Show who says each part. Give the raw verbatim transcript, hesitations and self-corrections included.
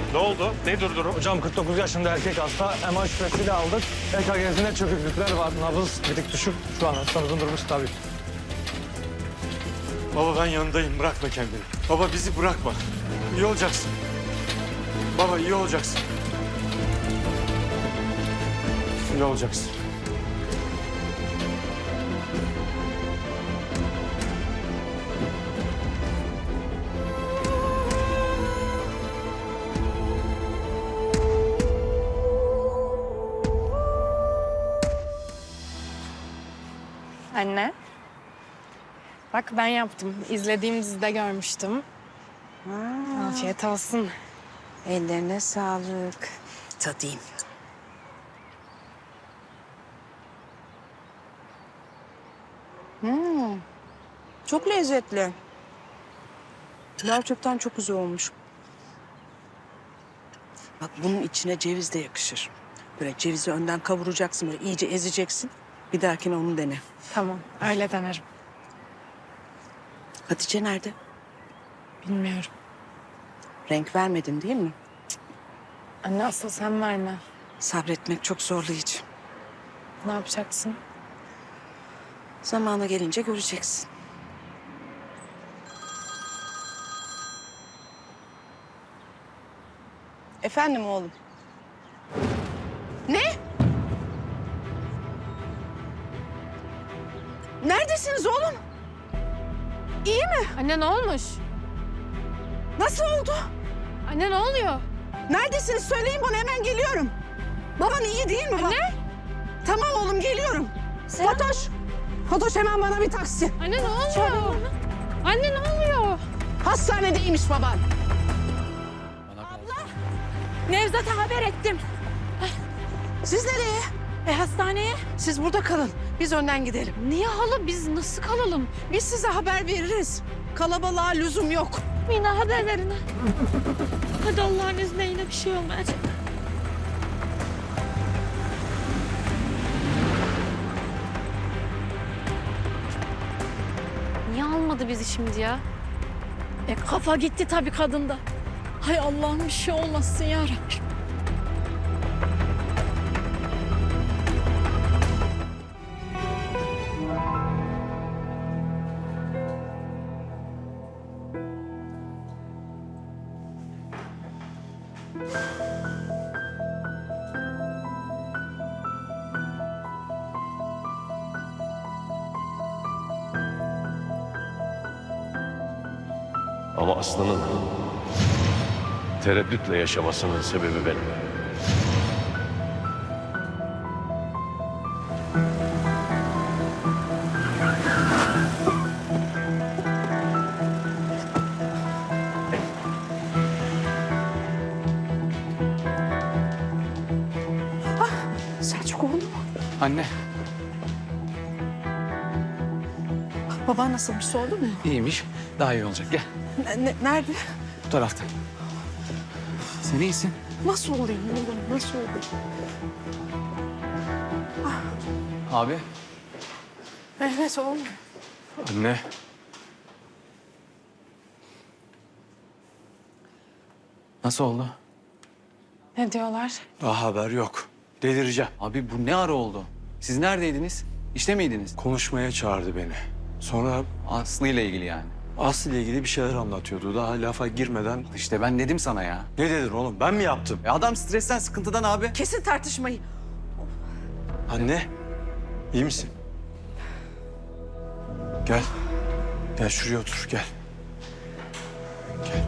Speaker 1: Ne oldu? Nedir durum?
Speaker 2: Hocam kırk dokuz yaşında erkek hasta. M R şüphesiyle aldık. E K G'sinde çöküklükler var. Nabız bir tık düşük. Şu an hastamızın durumu stabil.
Speaker 3: Baba ben yanındayım. Bırakma kendini. Baba bizi bırakma. İyi olacaksın. Baba iyi olacaksın. İyi olacaksın.
Speaker 4: Anne. Bak ben yaptım. İzlediğim dizide görmüştüm.
Speaker 5: Ha,
Speaker 4: Afiyet olsun.
Speaker 5: ellerine sağlık. Tadayım. Hmm, çok lezzetli. Gerçekten çok güzel olmuş. Bak bunun içine ceviz de yakışır. Böyle cevizi önden kavuracaksın, böyle iyice ezeceksin. Bir dahakine onu dene.
Speaker 4: Tamam, öyle denerim.
Speaker 5: Hatice nerede?
Speaker 4: Bilmiyorum.
Speaker 5: Renk vermedin değil mi?
Speaker 4: Anne asıl sen verme.
Speaker 5: Sabretmek çok zorlayıcı.
Speaker 4: Ne yapacaksın?
Speaker 5: Zamanı gelince göreceksin. Efendim oğlum. Ne? Neredesiniz oğlum? İyi mi?
Speaker 4: Anne ne olmuş?
Speaker 5: Nasıl oldu?
Speaker 4: Anne ne oluyor?
Speaker 5: Neredesiniz? Söyleyin bana, hemen geliyorum. Baban iyi değil mi?
Speaker 4: Anne?
Speaker 5: Tamam oğlum, geliyorum. Fatoş. Fatoş hemen bana bir taksi.
Speaker 4: Anne ne oluyor? Anne ne oluyor?
Speaker 5: Hastanedeymiş baban.
Speaker 4: Nevzat'a haber ettim.
Speaker 5: Siz nereye?
Speaker 4: E hastaneye?
Speaker 5: Siz burada kalın. Biz önden gidelim.
Speaker 4: Niye hala biz nasıl kalalım?
Speaker 5: Biz size haber veririz. Kalabalığa lüzum yok.
Speaker 4: Yine haber verin. Hadi Allah'ın izniyle bir şey olmayacak. Niye almadı bizi şimdi ya?
Speaker 6: E kafa gitti tabii kadında. Hay Allah'ım bir şey olmasın ya Rabbim.
Speaker 7: Ama Aslı'nın tereddütle yaşamasının sebebi benim.
Speaker 5: Selçuk oğlum.
Speaker 8: Anne,
Speaker 5: Baban nasılmış, oldu mu?
Speaker 8: iyiymiş. Daha iyi olacak. Gel,
Speaker 5: Ne- ne- nerede?
Speaker 8: bu tarafta. Sen iyisin.
Speaker 5: Nasıl olayım oğlum? Nasıl olayım?
Speaker 8: Abi.
Speaker 5: Mehmet oğlum.
Speaker 3: Anne.
Speaker 8: Nasıl oldu?
Speaker 4: Ne diyorlar?
Speaker 3: Daha haber yok. Delireceğim.
Speaker 8: Abi bu ne ara oldu? Siz neredeydiniz? İşte miydiniz?
Speaker 3: Konuşmaya çağırdı beni. Sonra
Speaker 8: Aslı ile ilgili yani.
Speaker 3: Aslı ile ilgili bir şeyler anlatıyordu. Daha lafa girmeden...
Speaker 8: İşte ben dedim sana ya.
Speaker 3: Ne dedin oğlum? Ben mi yaptım?
Speaker 8: E adam stresten, sıkıntıdan abi.
Speaker 5: Kesin tartışmayı.
Speaker 3: Anne, iyi misin? Gel. Gel şuraya otur, gel. Gel.